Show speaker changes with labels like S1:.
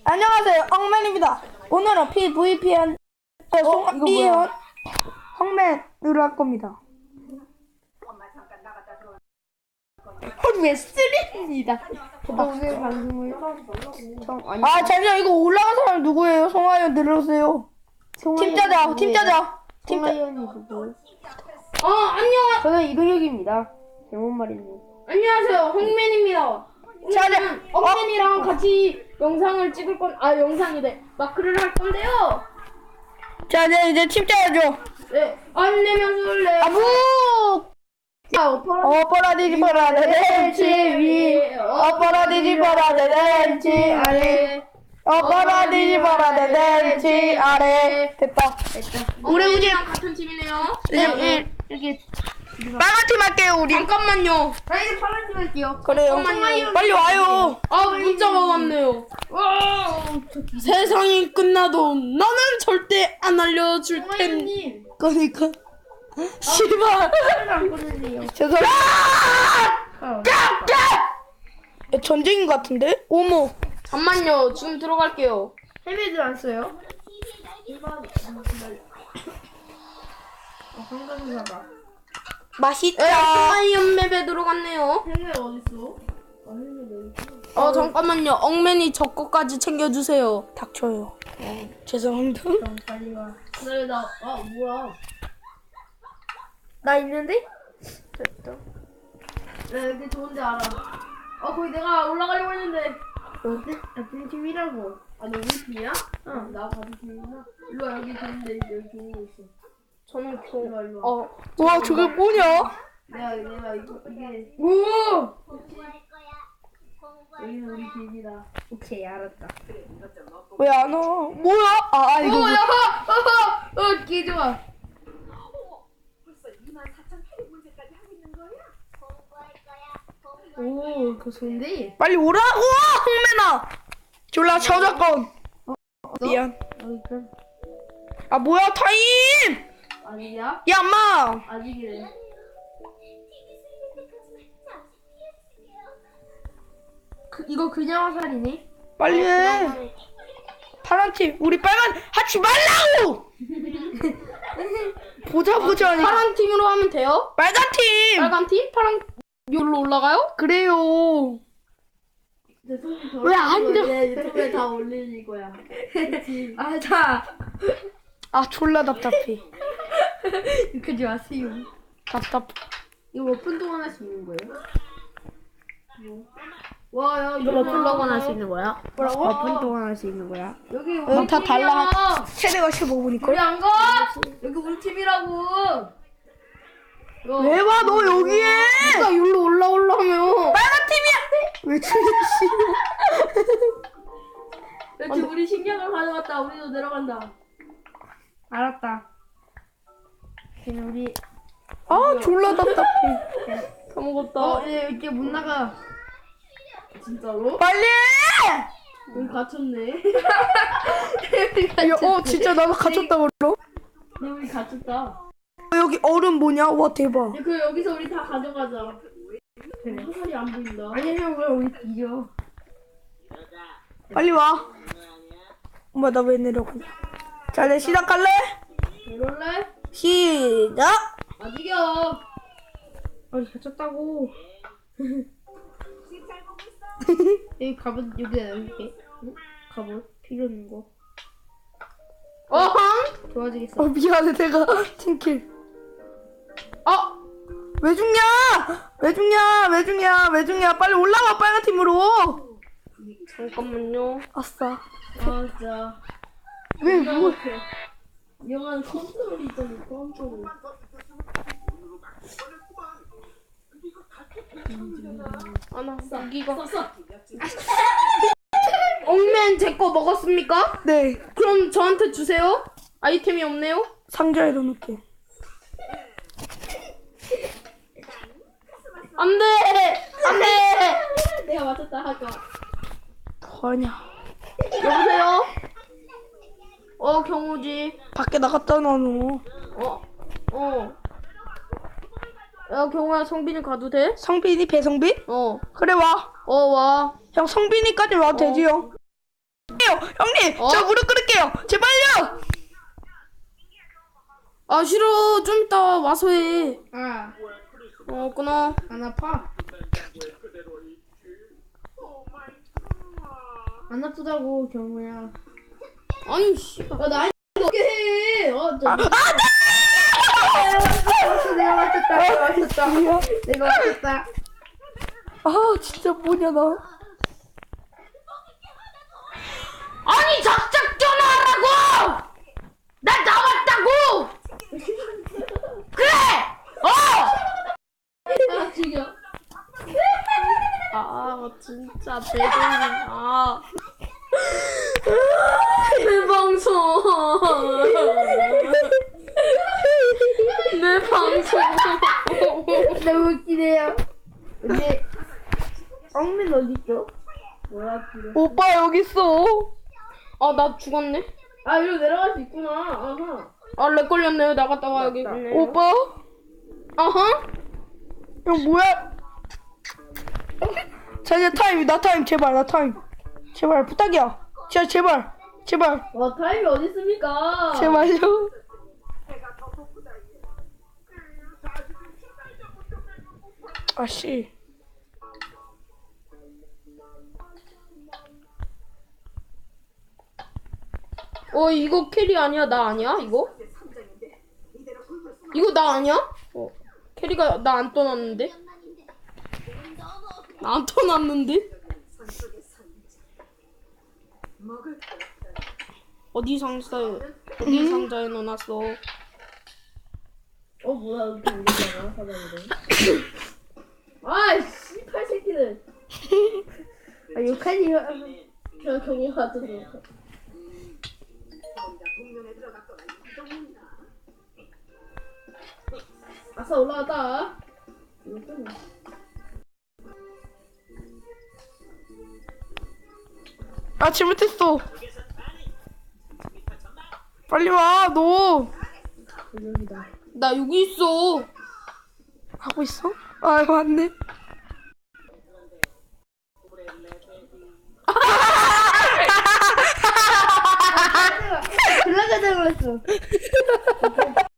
S1: 안녕하세요, 엉맨입니다. 오늘은 PVP한 송이현 엉맨으로 할 겁니다.
S2: 하루에 3입니다. 오늘 방송을
S1: 잠시만, 이거 올라간 사람 누구예요? 송하연 들어오세요. 팀짜자.
S2: 송하연이 누구? 안녕. 저는 이동혁입니다. 잘못 말했네.
S3: 안녕하세요, 홍맨입니다. 오늘은 엉맨이랑 같이 영상을 찍을 영상이래. 마크를 할 건데요.
S1: 자, 이제 팀짜야죠.
S3: 네, 안 내면 술래.
S1: 아부! 어퍼라 뒤집어라 내렌치 위, 어퍼라 뒤집어라 내렌치 아래, 어퍼라 뒤집어라 내렌치 아래. 됐다.
S3: 엉맨이랑 같은 팀이네요.
S2: 이렇게
S1: 빨간 팀 할게요, 우리.
S3: 잠깐만요.
S2: 저희는 파란 팀 할게요.
S1: 그래요. 빨리 와요.
S3: 문자가 왔네요. 세상이 끝나도 너는 절대 안 알려줄 텐.
S1: 그러니까. 씨발.
S2: 안 보내세요.
S1: 죄송합니다. 전쟁인 것 같은데? 어머.
S3: 잠만요. 지금 들어갈게요.
S2: 헬멧을 안 써요? 한강사가
S1: 맛있다.
S3: 하이언 맵에 들어갔네요.
S2: 헬멧 어딨어? 헬멧 어딨어?
S3: 잠깐만요. 엉맨이 저 거까지 챙겨주세요.
S1: 닥쳐요. 죄송합니다.
S2: 그럼 빨리 와. 그래 뭐야? 나 있는데? 됐다. 나 여기 좋은데 알아.
S3: 거기 내가 올라가려고 했는데.
S2: 어디? 같은 팀이라고.
S3: 너 우리 팀이야?
S2: 응. 나 같은 팀이나. 일로 와, 여기 좋은데 여기 좋은 거 있어.
S3: 저는
S2: 일로 와.
S1: 와, 저게 뭐냐?
S2: 내가 이게
S3: 오!
S2: 여기는 우리 팀이다. 오케이, 알았다.
S1: 왜 안 와? 뭐야? 이거.
S2: 개 좋아. 오, 그거 좋은데?
S1: 빨리 오라고, 홍매나. 졸라 저작권. 미안.
S2: 그럼
S1: 뭐야, 타임!
S2: 아니야?
S1: 야, 엄마.
S2: 아직이래. 이거 그냥 화살이네?
S1: 빨리 해. 파란 팀, 우리 빨간 하지 말라고. 보자 하니까.
S3: 파란 팀으로 하면 돼요?
S1: 빨간 팀.
S3: 빨간 팀? 파란 여기로 올라가요?
S1: 그래요.
S2: 왜 안 돼? 내 유튜브에 다 올릴 거야.
S1: 졸라 답답해.
S2: 그러지 마세요.
S1: 답답.
S2: 이거 몇 분 동안 할 수 있는 거예요? 와, 야,
S3: 이거 몇 분 동안 할 수 있는 거야?
S1: 뭐라고?
S2: 몇 분 동안 할 수 있는 거야? 여기 우리
S1: 다
S2: 팀이야.
S1: 달라. 최대가 15분일걸?
S2: 우리 안 가? 여기 우리 팀이라고.
S1: 왜 와, 너 여기에?
S3: 누가 여기로 올라오려면
S1: 빨간 팀이야. 왜 죽여,
S2: 그렇지, 우리 식량을 가져갔다. 우리도 내려간다. 알았다. 그냥 우리
S1: 졸라 답답해.
S3: 까먹었다.
S2: 이제 못 나가. 진짜로?
S1: 빨리 해!
S2: 우리 갇혔네.
S1: 진짜 나도 갇혔다, 그러.
S2: 우리 갇혔다.
S1: 여기 얼음 뭐냐? 와, 대박.
S2: 여기서 우리 다 가져가자. 그래. 화살이 안 보인다. 아니면 왜 우리 뒤져?
S1: 빨리 와. 엄마, 나 왜 내려가냐? 자, 이제 시작할래?
S2: 이럴래?
S1: 시작!
S2: 아직이야. 갇혔다고. 여기 갑옷 여기다 이렇게. 갑옷 필요 없는 거. 도와주겠어.
S1: 미안해, 내가 팀킬. 왜 죽냐? 왜 죽냐? 빨리 올라와, 빨간 팀으로.
S3: 잠깐만요.
S1: 아싸.
S2: 진짜.
S1: 왜, 뭐.
S2: 영화는 컨트롤이 있잖아. 컨트롤.
S3: 여기가 엉맨 제 거 먹었습니까?
S1: 네,
S3: 그럼 저한테 주세요. 아이템이 없네요.
S1: 상자에 넣어놓게.
S3: 안돼.
S2: 내가 맞췄다 할까?
S1: 뭐하냐.
S3: 여보세요. 경우지.
S1: 밖에 나갔다 놔, 너.
S3: 야, 경호야, 성빈이 가도 돼?
S1: 성빈이? 배성빈? 그래, 와.
S3: 와.
S1: 형, 성빈이까지 와도 되지요. 형님,
S3: 어?
S1: 저 무릎 꿇을게요. 제발요.
S3: 아 싫어. 좀 이따 와서 해.
S2: 아,
S3: 끊어.
S2: 안 아파? 안 아프다고, 경우야.
S3: 아니 씨발.
S2: 나 어떻게 해?
S1: 아,
S2: 내가 맞췄다. 내가 맞췄다.
S1: 아, 진짜 뭐냐, 나.
S3: 아니 작작 전화하라고. 나 나왔다고. 그래.
S2: 아, 죽여.
S3: 아 진짜 대단하다. 내 방송. 내 방송.
S2: 너무 웃기네요. 근데, 엉민 어딨어? 뭐야, 그래.
S1: 오빠, 여기 있어.
S3: 아 나 죽었네.
S2: 아, 이리로 내려갈 수 있구나. 아하.
S3: 아 렉 걸렸네요. 나갔다 와야겠네.
S1: 오빠?
S3: 아하.
S1: 형, 뭐야? 자, 이제 타임, 나 타임, 제발, 나 타임. 제발, 부탁이야. 진짜, 제발. 제발.
S2: 와, 타임이 어딨습니까?
S1: 제발요. 아씨.
S3: 이거 캐리 아니야? 나 아니야? 이거? 이거 나 아니야? 캐리가 나 안 떠났는데? 나 안 떠났는데? 어디 상자에 넣어놨어?
S2: 뭐야, 이렇게 올리잖아, 사장님들. 아, 씨팔 새끼들. 아, 욕하니, 경우가 좀. 아싸, 올라왔다.
S1: 아, 잘못했어. 빨리 와, 너.
S3: 나 여기 있어.
S1: 하고 있어? 아, 맞네.
S2: 올라가자고 했어.